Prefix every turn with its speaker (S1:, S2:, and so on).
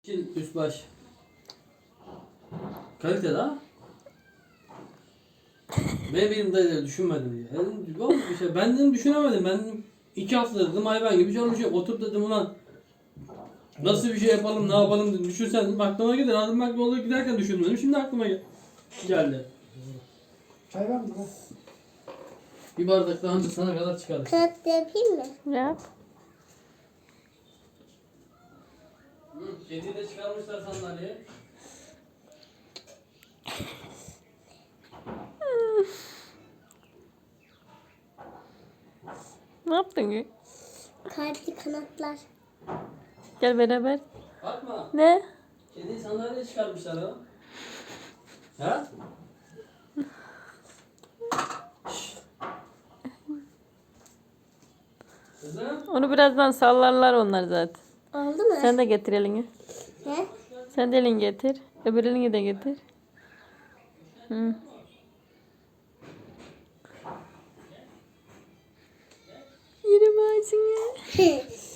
S1: Üst baş. Kalite daha. Benim de düşünmedim diye. Dedim, yok bir şey. Ben dedim düşünemedim. Ben dedim, 2 hafta dedim hayvan gibi çalışıyorum. Otur dedim ulan. Nasıl bir şey yapalım, ne yapalım dedim. Düşünsen dedim, aklıma gelir. Adım bak yolda giderken düşünmedim. Şimdi aklıma geldi.
S2: Çay var mı?
S1: Bir bardak daha önce sana kadar çıkardık.
S3: Kağıt yapayım mı?
S4: Yap.
S1: Kediyi de çıkarmışlar sandalyeye.
S4: Ne yaptın ki?
S3: Kalpli kanatlar.
S4: Gel beraber.
S1: Bakma.
S4: Ne?
S1: Kediyi sandalyeye çıkarmışlar ha. Ha? Kızım.
S4: Onu birazdan sallarlar onlar zaten.
S3: Oldu mu?
S4: Sen de getir elini.
S3: He?
S4: Sen de elini getir. Öbür elini de getir. Hı. Yerim ağzını.